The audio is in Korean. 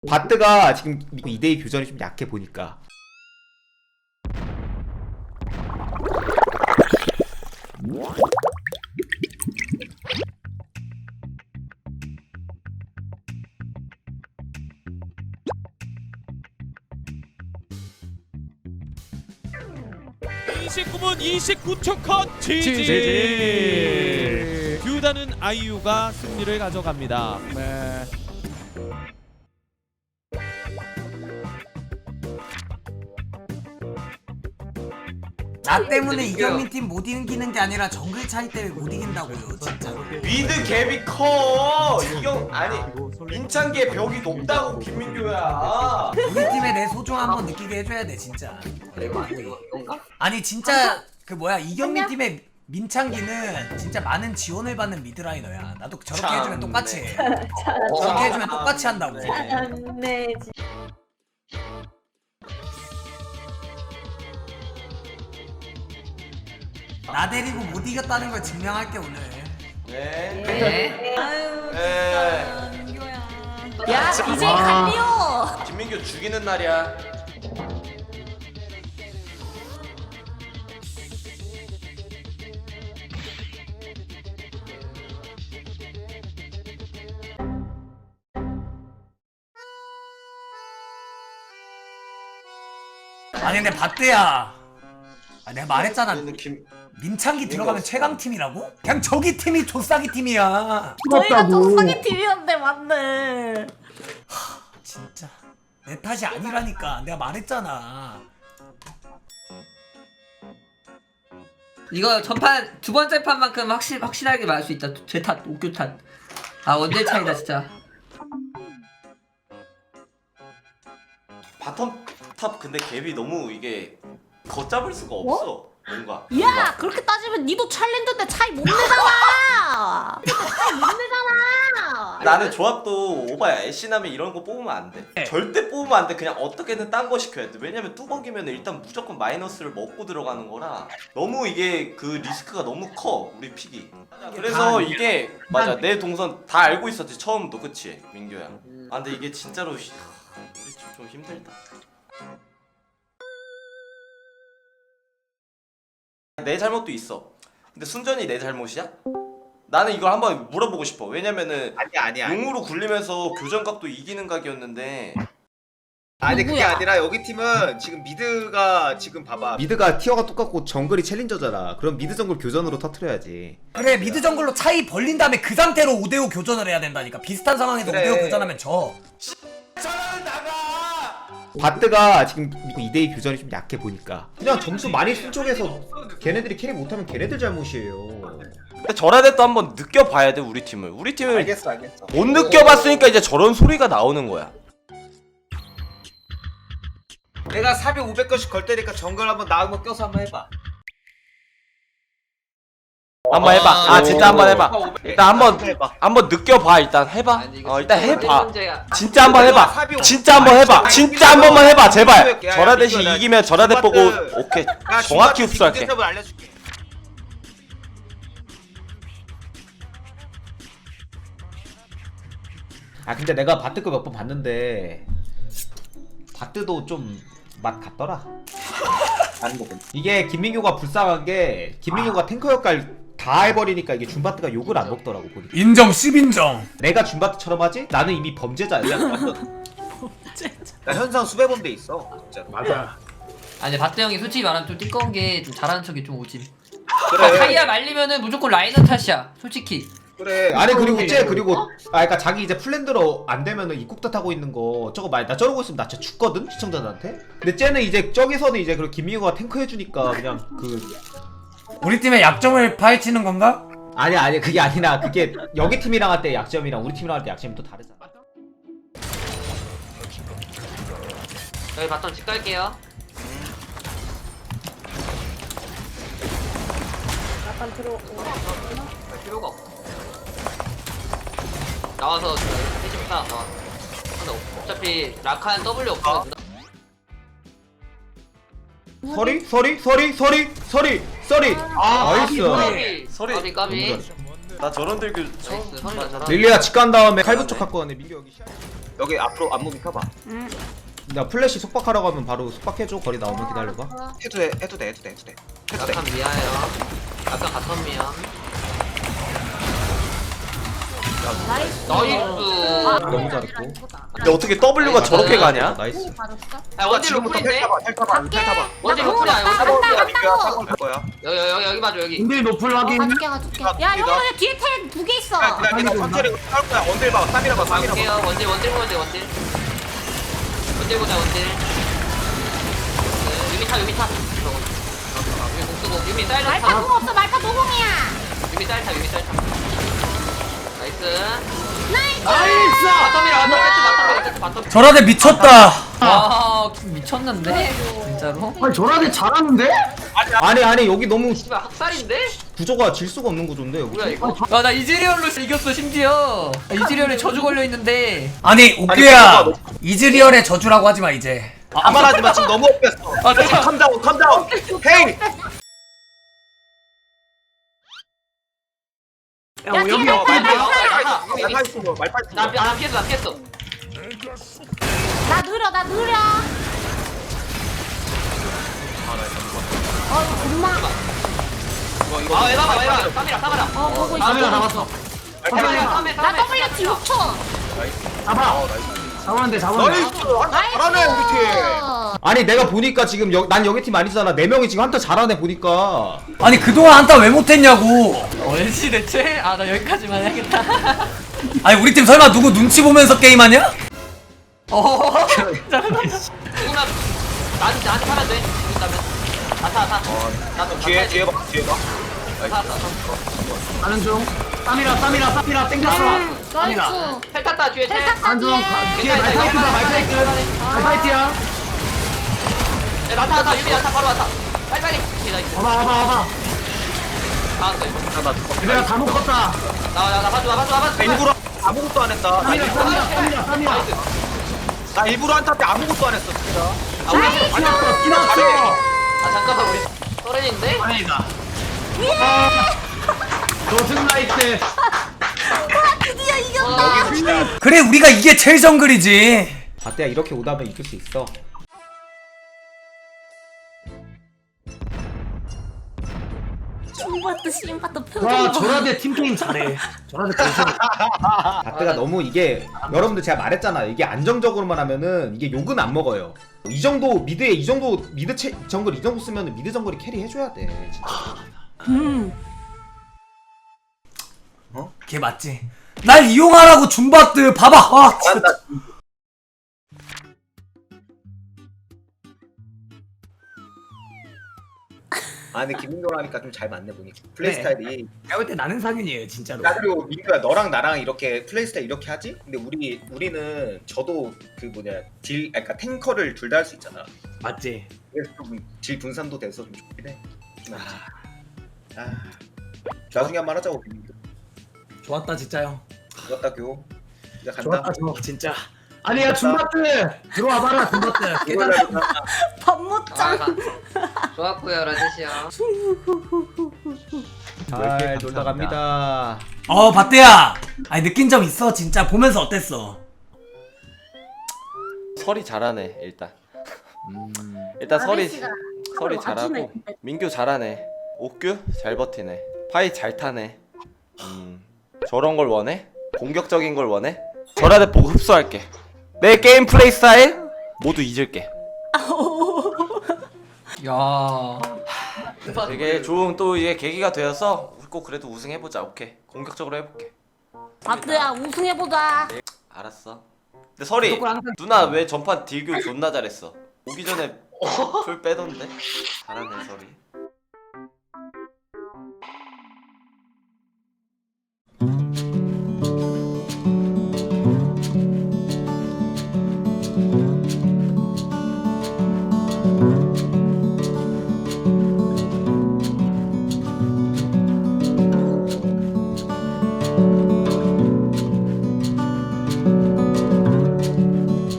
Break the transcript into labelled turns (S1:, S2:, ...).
S1: 바트가 지금 2대2 교전이 좀 약해 보니까
S2: (29분 29초) 컷 GG. 듀다는 아이유가 승리를 가져갑니다.
S3: 네.
S4: 나 때문에 이경민 팀 못 이기는 게 아니라 정글 차이 때문에 못 이긴다고요, 진짜.
S5: 미드 갭이 커. 이경 아니 민창기의 벽이 높다고 김민규야.
S4: 우리 팀에 내 소중 한번 느끼게 해줘야 돼, 진짜. 아니 진짜 그 뭐야 이경민 팀의 민창기는 진짜 많은 지원을 받는 미드라이너야. 나도 저렇게
S5: 참,
S4: 해주면 똑같이 해.
S5: 네.
S4: 저렇게 해주면 똑같이 한다고.
S6: 네.
S4: 나 데리고 못 이겼다는 걸 증명할게 오늘.
S5: 네.
S6: 네. 아유 진짜 민규야. 야 이제 갈리오.
S5: 김민규 죽이는 날이야.
S4: 아니 근데 바트야. 아, 내가 말했잖아.
S5: 얘는 김
S4: 민창기 들어가면 최강 팀이라고? 그냥 저기 팀이 조싸기 팀이야.
S6: 저희가 족상의 팀이었는데 맞네.
S4: 진짜 내 탓이 아니라니까. 내가 말했잖아.
S7: 이거 전판 두 번째 판만큼 확실하게 말할 수 있다. 제 탓, 옥규 탓. 아 원딜 차이다 진짜.
S5: 바텀 탑 근데 갭이 너무 이게 걷잡을 수가 없어. 뭔가.
S6: 야 그렇게 따지면 니도 챌린저인데 차이 못 내잖아. 차이 못 내잖아.
S5: 나는 조합도 오바야. 애쉬나미 이런 거 뽑으면 안 돼. 절대 뽑으면 안 돼. 그냥 어떻게든 딴 거 시켜야 돼. 왜냐면 뚜벅이면 일단 무조건 마이너스를 먹고 들어가는 거라 너무 이게 그 리스크가 너무 커. 우리 픽이. 그래서 이게 맞아. 내 동선 다 알고 있었지 처음도. 그치 민규야. 아 근데 이게 진짜로 우리 좀 힘들다. 내 잘못도 있어. 근데 순전히 내 잘못이야? 나는 이걸 한번 물어보고 싶어. 왜냐면은
S8: 아니야.
S5: 용으로 굴리면서 교전각도 이기는 각이었는데.
S8: 아니 그게
S6: 누구야?
S8: 아니라 여기 팀은 지금 미드가 지금 봐봐.
S1: 미드가 티어가 똑같고 정글이 챌린저잖아. 그럼 미드 정글 교전으로 터트려야지.
S4: 그래 미드 정글로 차이 벌린 다음에 그 상태로 5대5 교전을 해야 된다니까. 비슷한 상황에서
S8: 그래.
S4: 5대5 교전하면 져.
S5: 저는 나가.
S1: 바트가 지금 2대2 교전이 좀 약해 보니까 그냥 점수 많이 쓴 쪽에서 걔네들이 캐리 못하면 걔네들 잘못이에요.
S5: 근데 저라도 한번 느껴봐야 돼 우리 팀을. 우리 팀을
S8: 알겠어.
S5: 못 느껴봤으니까 이제 저런 소리가 나오는 거야.
S8: 내가 400, 500건씩 걸 때니까 정글 한번 나오면 껴서 한번 해봐.
S5: 한번 해봐. 아 진짜 한번 해봐. 일단
S8: 해봐.
S5: 한번 느껴봐. 일단 해봐. 일단 해봐.
S7: 문제야.
S5: 진짜 한번 해봐. 진짜 한번 해봐. 진짜 한 번만 해봐. 제발. 저라대시 이기면 저라대 보고 오케이. 정확히 흡수할게.
S8: 알려줄게.
S1: 아 근데 내가 바트 거 몇 번 봤는데 바트도 좀 맛 같더라. 이게 김민규가 불쌍한 게 김민규가 탱커 역할 다 해버리니까 이게 줌바트가 욕을 안 먹더라고 보니까.
S4: 인정 10인정.
S1: 내가 줌바트처럼 하지? 나는 이미 범죄자야.
S8: 나 현상 수백 번 돼 있어. 진짜.
S4: 맞아.
S7: 아니 바트 형이 솔직히 말하면 좀 띠꺼운 게 좀 잘하는 척이 좀 오지.
S8: 그래.
S7: 차이야 말리면은 무조건 라이너 탓이야. 솔직히.
S8: 그래.
S1: 아니 그리고 쟤 그리고 그러니까 자기 이제 플랜대로 안 되면은 입국다 타고 있는 거 저거 나 저러고 있으면 나 진짜 죽거든 시청자들한테. 근데 쟤는 이제 저기서는 이제 그 김민규가 탱커 해주니까 그냥 그
S4: 우리 팀의 약점을 파헤치는 건가?
S1: 아니 그게 아니라 그게 여기 팀이랑 할 때 약점이랑 우리 팀이랑 할 때 약점이 또 다르잖아.
S7: 여기 바텀 집 갈게요.
S6: 약간 들어.
S7: 필요가 없어. 나와서 해줍니다. 나와. 근데 어차피 라칸 W 없으면
S1: 서리 나이스.
S5: 소리.
S7: 까비.
S5: 나 저런 들교 처음
S7: 나이스.
S5: 봐.
S1: 릴리아 집 간 다음에 칼부 쪽 갖고 왔네. 민규 여기 시작.
S8: 여기 앞으로 앞무빙 펴봐.
S1: 나 플래시 속박하라고 하면 바로 속박해줘. 거리 나오면 기다려봐.
S8: 해도 돼.
S7: 약간 미아요. 약간 바텀 미아.
S6: 나이스.
S7: 나이스.
S1: 너무 잘했고.
S5: 근데 어떻게 W가 저렇게 가냐?
S1: 나이스.
S6: 받았어?
S7: 아 원딜
S8: 지금부터
S7: 로플인데?
S8: 텔 타봐.
S7: 원딜
S6: 나
S7: 로플이야.
S6: 간다,
S7: 원딜
S6: 간다,
S7: 로플이야.
S6: 간다고.
S8: 갈 거야.
S7: 여기 봐줘 여기.
S3: 인딜 노플 확인.
S6: 가줄게. 야, 형아, 여기 뒤에 텔 2개 있어.
S8: 그냥 천천히 할 거야. 원딜 봐. 3이라 봐. 3이라 봐.
S7: 갈게요. 원딜 보자 원딜. 원딜 보자 원딜. 유미 타. 유미 공수고 유미 쌀
S6: 말파
S7: 타.
S6: 공 없어. 말파 노공이야.
S7: 유미 쌀 타. 나이스.
S6: 나이스.
S7: 바텀.
S4: 저라데 미쳤다.
S7: 와 미쳤는데 진짜로?
S3: 아니 저라데 잘하는데?
S1: 아니 여기 너무
S7: 씨발 학살인데?
S1: 구조가 질 수가 없는 구조인데 여기.
S7: 뭐야 이거? 나 이즈리얼로 이겼어 심지어. 이즈리얼에 저주 걸려 있는데.
S4: 아니 옥규야 이즈리얼의 저주라고 하지 마 이제.
S8: 아말하지 마. 지금 너무 엎였어.
S7: 아 잠깐.
S8: 컴다운. 헤이.
S6: 야, 뒤에
S3: 여기
S6: 말파,
S3: 옆에
S6: 말파.
S8: 말파이스.
S7: 나 피했어.
S6: 나 느려. 엄마.
S7: 아 에바봐. 싸미라.
S6: 보고 있어.
S3: 카메라 잡았어.
S6: 나 WT 6초.
S3: 잡았는데
S8: 나이스. 잘하네 우리 팀.
S1: 아니 내가 보니까 지금 난 여기 팀 아니잖아. 4명이 지금 한타 잘하네 보니까.
S4: 아니 그동안 한타 왜 못했냐고.
S7: 얼지 대체? 아 나 여기까지만 해야겠다.
S4: 아니 우리 팀 설마 누구 눈치 보면서 게임하냐?
S7: 누구나 나한테 타면 돼. 죽는다면. 타. 나도
S8: 뒤에 봐.
S7: 타.
S3: 가는 중. 쌈이라 땡겼어.
S6: 나이스.
S7: 텔 탔다 뒤에 텔.
S6: 텔 탔다,
S3: 안중.
S6: 뒤에.
S3: 뒤에 말파이트다 말파이트. 말파이트야.
S7: 나타 유미 나타 바로 왔다. 빨리. 나이스.
S3: 와봐.
S7: 나왔어 이거.
S3: 내가 다 묶었다.
S7: 나 봐줘.
S8: 일부러 아무것도 안 했다.
S3: 쌈이라.
S8: 나 일부러 한타 때 아무것도 안 했어.
S3: 기났어.
S7: 아 잠깐만 우리 서렌인데?
S3: 다행이다. 노승 나이트.
S6: 드디어 이겼다.
S4: 그래 우리가 이게 제일 정글이지.
S1: 바때야 이렇게 오다면 이길 수 있어.
S6: 중바트 심바트
S3: 와
S6: 표정.
S3: 저라데 팀게임 잘해. 저라데 벌써.
S1: 바때가 너무 이게 여러분들 제가 말했잖아. 이게 안정적으로만 하면은 이게 욕은 안 먹어요. 이 정도 미드에 이 정도 미드 정글 이 정도 쓰면은 미드 정글이 캐리 해줘야 돼. 진짜.
S4: 걔 맞지? 날 이용하라고 줌바트 봐봐. 아 진짜.
S8: 아 근데 김민규랑 하니까 좀 잘 맞네 보니. 플레이 스타일이.
S3: 내가 볼 때 나는 상윤이에요 진짜로.
S8: 나 그리고 민규야 너랑 나랑 이렇게 플레이 스타일 이렇게 하지? 근데 우리는 저도 그 뭐냐 그러니까 탱커를 둘 다 할 수 있잖아.
S3: 맞지?
S8: 그래서 좀 질 분산도 돼서 좀 좋긴 해. 나중에 한 번 하자고 민규.
S4: 좋았다 진짜 형.
S8: 좋았다 교. 이제 간다.
S3: 좋았다 저 진짜. 아니야 줌바트 들어와봐라 줌바트. 깨달아.
S6: 밥못장.
S7: 좋았고요 라데시야.
S1: 잘 놀다 갑니다.
S4: 바때야. 아니 느낀 점 있어 진짜 보면서 어땠어?
S5: 설이 잘하네 일단. 일단 설이
S6: 아저씨가
S5: 잘하고
S6: 맞추네, 근데.
S5: 민규 잘하네. 옥규 잘 버티네. 파이 잘 타네. 저런 걸 원해? 공격적인 걸 원해? 저라대 보고 흡수할게. 내 게임 플레이 스타일 모두 잊을게.
S7: 야.
S5: 되게 좋은 또 이게 계기가 되어서 꼭 그래도 우승해보자. 오케이 공격적으로 해볼게.
S6: 바트야 우승해보자.
S5: 알았어. 근데 설이 누나 왜 전판 딜교 존나 잘했어? 오기 전에 풀 빼던데? 잘하네 설이.